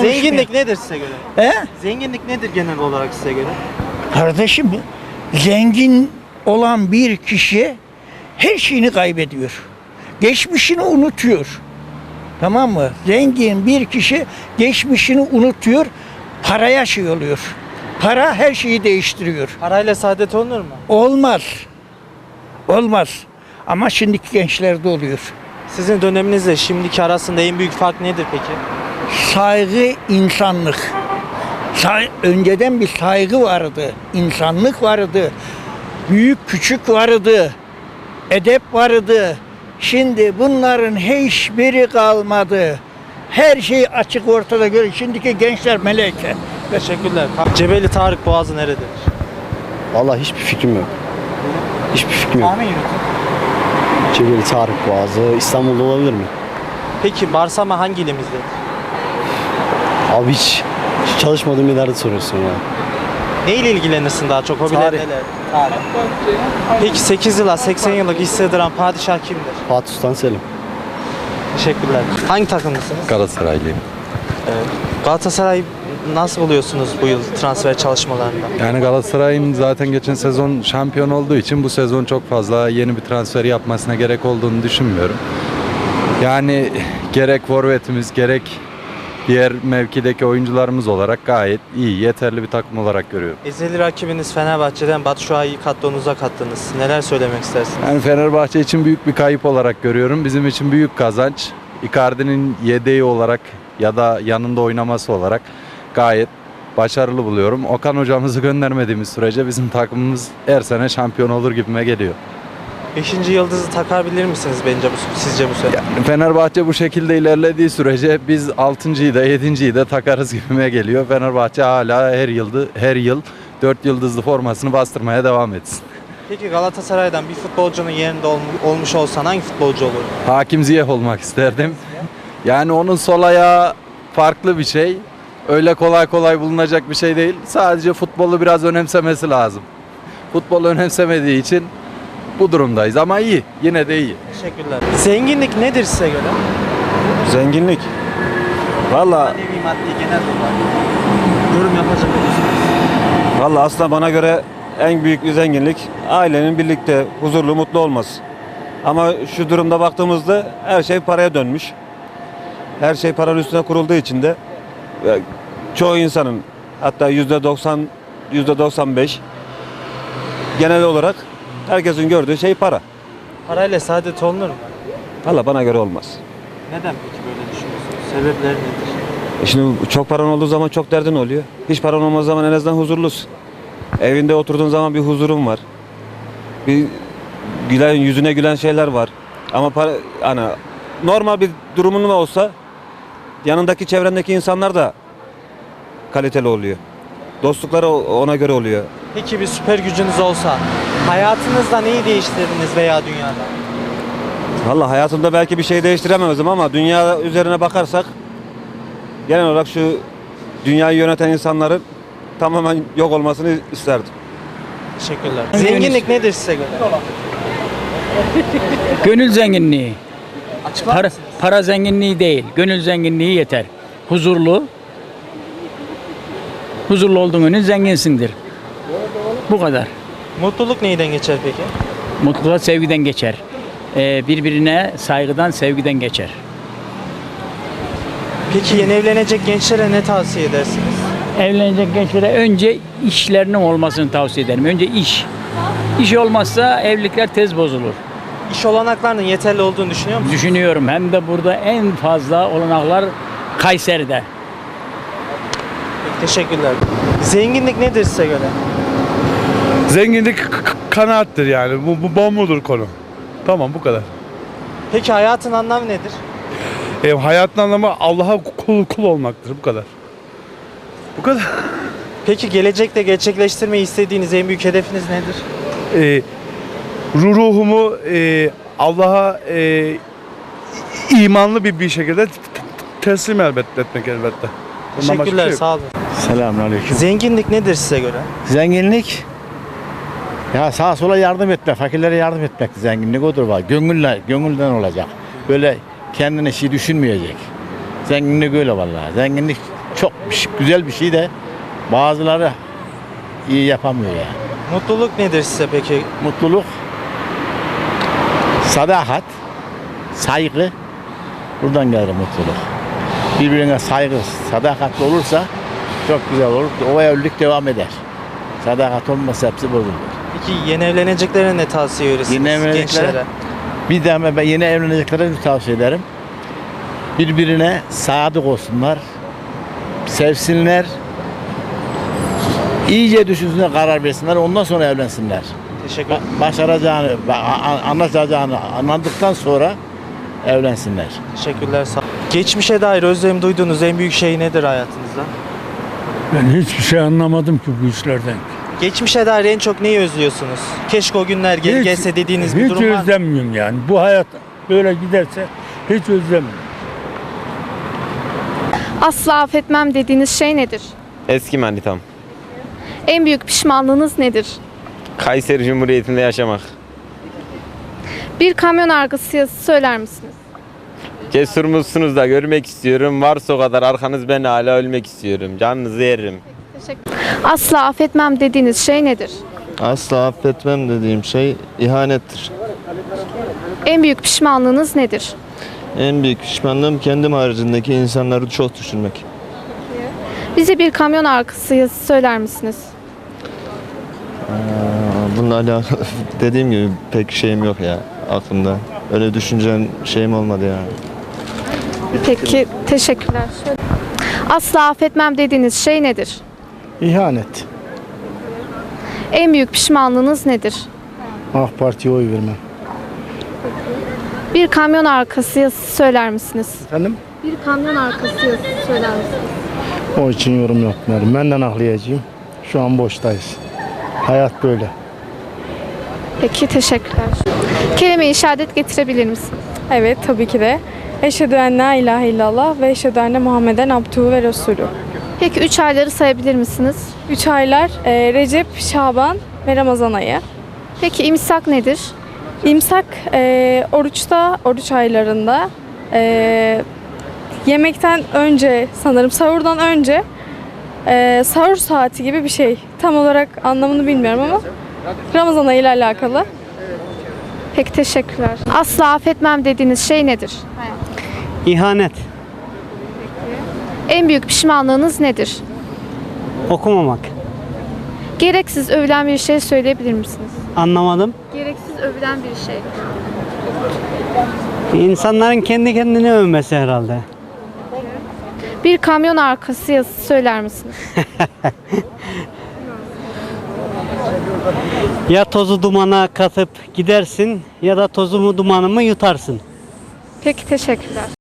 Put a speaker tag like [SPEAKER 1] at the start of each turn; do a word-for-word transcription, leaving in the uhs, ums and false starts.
[SPEAKER 1] konuşmuyor.
[SPEAKER 2] Zenginlik nedir size göre?
[SPEAKER 1] He?
[SPEAKER 2] Zenginlik nedir genel olarak size göre?
[SPEAKER 1] Kardeşim, zengin olan bir kişi her şeyini kaybediyor. Geçmişini unutuyor. Tamam mı? Zengin bir kişi geçmişini unutuyor, paraya şey oluyor. Para her şeyi değiştiriyor.
[SPEAKER 2] Parayla saadet olunur mu?
[SPEAKER 1] Olmaz. Olmaz. Ama şimdiki gençlerde oluyor.
[SPEAKER 2] Sizin döneminizle şimdiki arasında en büyük fark nedir peki?
[SPEAKER 1] Saygı, insanlık. Say- önceden bir saygı vardı, insanlık vardı, büyük küçük vardı, edep vardı. Şimdi bunların hiçbiri kalmadı. Her şey açık ortada görüyor. Şimdiki gençler meleke.
[SPEAKER 2] Teşekkürler. Cebeli Tarık Boğazı nerededir?
[SPEAKER 3] Vallahi hiçbir fikrim yok. Hiçbir fikrim yok.
[SPEAKER 2] Tahmin yürütün.
[SPEAKER 3] Cebeli Tarık Boğazı İstanbul'da olabilir mi?
[SPEAKER 2] Peki Barsama hangi ilimizdedir?
[SPEAKER 3] Abi hiç, hiç çalışmadığım yerlerde soruyorsun ya.
[SPEAKER 2] Ne ile ilgilenirsin daha çok? Hobiler
[SPEAKER 3] Tarih.
[SPEAKER 2] neler? Tarih. Peki sekiz yıla seksen yıllık iş sığdıran padişah kimdir?
[SPEAKER 3] Fatih Sultan Selim.
[SPEAKER 2] Teşekkürler. Hangi takımlısınız?
[SPEAKER 4] Galatasaraylıyım.
[SPEAKER 2] Evet. Galatasaray nasıl buluyorsunuz bu yıl transfer çalışmalarında?
[SPEAKER 4] Yani Galatasaray'ın zaten geçen sezon şampiyon olduğu için bu sezon çok fazla yeni bir transfer yapmasına gerek olduğunu düşünmüyorum. Yani gerek forvetimiz gerek diğer mevkideki oyuncularımız olarak gayet iyi, yeterli bir takım olarak görüyorum.
[SPEAKER 2] Ezeli rakibiniz Fenerbahçe'den Batshuayi'yi kadronuza kattınız. Neler söylemek istersiniz?
[SPEAKER 4] Yani Fenerbahçe için büyük bir kayıp olarak görüyorum. Bizim için büyük kazanç. Icardi'nin yedeği olarak ya da yanında oynaması olarak gayet başarılı buluyorum. Okan hocamızı göndermediğimiz sürece bizim takımımız her sene şampiyon olur gibime geliyor.
[SPEAKER 2] Beşinci yıldızı takabilir misiniz bence bu, sizce bu sene?
[SPEAKER 4] Yani Fenerbahçe bu şekilde ilerlediği sürece biz altıncıyı da yedinciyi de takarız gibime geliyor. Fenerbahçe hala her yıldı her yıl dört yıldızlı formasını bastırmaya devam etsin.
[SPEAKER 2] Peki Galatasaray'dan bir futbolcunun yerinde ol, olmuş olsan hangi futbolcu olur?
[SPEAKER 4] Hakim Ziyech olmak isterdim. Yani onun sol ayağı farklı bir şey. Öyle kolay kolay bulunacak bir şey değil. Sadece futbolu biraz önemsemesi lazım. Futbolu önemsemediği için bu durumdayız ama iyi. Yine de iyi.
[SPEAKER 2] Teşekkürler. Zenginlik nedir size göre?
[SPEAKER 5] Zenginlik. Valla
[SPEAKER 2] Manevi, maddi, genel olarak. Yorum yapacak olursunuz.
[SPEAKER 5] valla aslında bana göre en büyük bir zenginlik ailenin birlikte huzurlu, mutlu olması. Ama şu durumda baktığımızda her şey paraya dönmüş. Her şey paranın üstüne kurulduğu için de e, çoğu insanın hatta yüzde doksan, yüzde doksan beş genel olarak herkesin gördüğü şey para.
[SPEAKER 2] Parayla saadet olunur mu?
[SPEAKER 5] Valla bana göre olmaz.
[SPEAKER 2] Neden peki böyle düşünüyorsunuz? Sebepleri nedir?
[SPEAKER 5] E şimdi çok paran olduğu zaman çok derdin oluyor. Hiç paran olmadığı zaman en azından huzurlusun. Evinde oturduğun zaman bir huzurun var. Bir gülen, yüzüne gülen şeyler var. Ama para, hani normal bir durumun olsa yanındaki çevrendeki insanlar da kaliteli oluyor. Dostlukları ona göre oluyor.
[SPEAKER 2] Peki bir süper gücünüz olsa hayatınızda neyi değiştirdiniz veya dünyada?
[SPEAKER 5] Vallahi hayatımda belki bir şey değiştiremezdim ama dünya üzerine bakarsak genel olarak şu dünyayı yöneten insanların tamamen yok olmasını isterdim.
[SPEAKER 2] Teşekkürler. Zenginlik nedir size göre?
[SPEAKER 6] Gönül zenginliği.
[SPEAKER 2] Açıklar
[SPEAKER 6] Para,
[SPEAKER 2] mısınız?
[SPEAKER 6] para zenginliği değil. Gönül zenginliği yeter. Huzurlu. Huzurlu olduğun gün zenginsindir. Bu kadar.
[SPEAKER 2] Mutluluk neyden geçer peki?
[SPEAKER 6] Mutluluk sevgiden geçer. Ee, birbirine saygıdan, sevgiden geçer.
[SPEAKER 2] Peki yeni evlenecek gençlere ne tavsiye edersiniz?
[SPEAKER 6] Evlenecek gençlere önce işlerinin olmasını tavsiye ederim. Önce iş. İş olmazsa evlilikler tez bozulur.
[SPEAKER 2] İş olanaklarının yeterli olduğunu düşünüyor musunuz?
[SPEAKER 6] Düşünüyorum. Hem de burada en fazla olanaklar Kayseri'de.
[SPEAKER 2] Peki, teşekkürler. Zenginlik nedir size göre?
[SPEAKER 7] Zenginlik k- k- kanaattir yani. Bu, bu bombudur konu. Tamam bu kadar.
[SPEAKER 2] Peki hayatın anlamı nedir?
[SPEAKER 7] E, hayatın anlamı Allah'a kul, kul olmaktır. Bu kadar. Bu kadar.
[SPEAKER 2] Peki gelecekte gerçekleştirmeyi istediğiniz en büyük hedefiniz nedir?
[SPEAKER 7] E, ruh- ruhumu e, Allah'a e, imanlı bir bir şekilde t- t- teslim elbette etmek elbette. Bundan başka bir
[SPEAKER 2] Teşekkürler,
[SPEAKER 7] şey yok.
[SPEAKER 2] sağ olun.
[SPEAKER 3] Selamünaleyküm.
[SPEAKER 2] Zenginlik nedir size göre?
[SPEAKER 3] Zenginlik ya sağa sola yardım etmek, fakirlere yardım etmek zenginlik odur var. Gönülle, gönülden olacak. Böyle kendine şey düşünmeyecek. Zenginlik öyle vallahi. Zenginlik çok bir şey- güzel bir şey de bazıları iyi yapamıyor yani.
[SPEAKER 2] Mutluluk nedir size peki?
[SPEAKER 3] Mutluluk, sadakat, saygı, buradan gelir mutluluk. Birbirine saygı, sadakatli olursa çok güzel olur. O evlilik devam eder. Sadakat olmasa hepsi bozulur.
[SPEAKER 2] Peki yeni evleneceklere ne tavsiye verirsiniz
[SPEAKER 3] Yeni evleneceklere-
[SPEAKER 2] gençlere?
[SPEAKER 3] Bir de ben yeni evleneceklere bir tavsiye ederim. Birbirine sadık olsunlar, sevsinler, iyice düşünsünler, karar versinler, ondan sonra evlensinler.
[SPEAKER 2] Teşekkür ederim.
[SPEAKER 3] Ba- Başaracağını, ba- a- anlaşacağını anladıktan sonra evlensinler.
[SPEAKER 2] Teşekkürler. Sağ Geçmişe dair özlem duyduğunuz en büyük şey nedir hayatınızda?
[SPEAKER 8] Ben hiçbir şey anlamadım ki bu işlerden.
[SPEAKER 2] Geçmişe dair en çok neyi özlüyorsunuz? Keşke o günler geri
[SPEAKER 8] Hiç-
[SPEAKER 2] gelse dediğiniz bir
[SPEAKER 8] hiç
[SPEAKER 2] durum var mı?
[SPEAKER 8] özlemiyorum yani. Bu hayat böyle giderse hiç özlemiyorum.
[SPEAKER 9] Asla affetmem dediğiniz şey nedir?
[SPEAKER 10] Eski manitam.
[SPEAKER 9] En büyük pişmanlığınız nedir?
[SPEAKER 10] Kayseri Cumhuriyeti'nde yaşamak.
[SPEAKER 9] Bir kamyon arkası yazısı söyler misiniz?
[SPEAKER 10] Cesur musunuz da görmek istiyorum. Varsa o kadar arkanız, ben hala ölmek istiyorum. Canınızı yerim.
[SPEAKER 9] Teşekkür. Asla affetmem dediğiniz şey nedir?
[SPEAKER 11] Asla affetmem dediğim şey ihanettir.
[SPEAKER 9] En büyük pişmanlığınız nedir?
[SPEAKER 11] En büyük pişmanlığım kendim haricindeki insanları çok düşünmek.
[SPEAKER 9] Bize bir kamyon arkası yazısı söyler misiniz?
[SPEAKER 11] Aa, bununla alakalı dediğim gibi pek şeyim yok ya aklımda. Öyle düşüncem şeyim olmadı ya.
[SPEAKER 9] Peki, teşekkürler. Şöyle. Asla affetmem dediğiniz şey nedir?
[SPEAKER 7] İhanet.
[SPEAKER 9] En büyük pişmanlığınız nedir?
[SPEAKER 7] AK Parti'ye oy vermem.
[SPEAKER 9] Bir kamyon arkası yazısı söyler misiniz?
[SPEAKER 7] Efendim?
[SPEAKER 9] Bir kamyon arkası yazısı söyler misiniz?
[SPEAKER 7] O için yorum yapmıyorum. Benden aklıyacağım. Şu an boştayız. Hayat böyle.
[SPEAKER 9] Peki, teşekkürler. Kelime-i şehadet getirebilir misiniz?
[SPEAKER 12] Evet, tabii ki de. Eşhedü en la ilahe illallah ve eşhedü enne Muhammeden abduhu ve resulü.
[SPEAKER 9] Peki üç ayları sayabilir misiniz?
[SPEAKER 12] Üç aylar e, Recep, Şaban ve Ramazan ayı.
[SPEAKER 9] Peki imsak nedir?
[SPEAKER 12] İmsak e, oruçta, oruç aylarında e, yemekten önce sanırım sahurdan önce e, sahur saati gibi bir şey. Tam olarak anlamını bilmiyorum ama Ramazan ayı ile alakalı.
[SPEAKER 9] Peki, teşekkürler. Asla affetmem dediğiniz şey nedir?
[SPEAKER 13] İhanet,
[SPEAKER 9] En büyük pişmanlığınız nedir?
[SPEAKER 13] okumamak.
[SPEAKER 9] Gereksiz övülen bir şey söyleyebilir misiniz?
[SPEAKER 13] Anlamadım.
[SPEAKER 9] Gereksiz övülen bir şey.
[SPEAKER 13] İnsanların kendi kendini övmesi herhalde.
[SPEAKER 9] Bir kamyon arkası yazısı söyler misiniz?
[SPEAKER 13] Ya tozu dumana katıp gidersin ya da tozumu dumanımı yutarsın.
[SPEAKER 9] Peki, teşekkürler.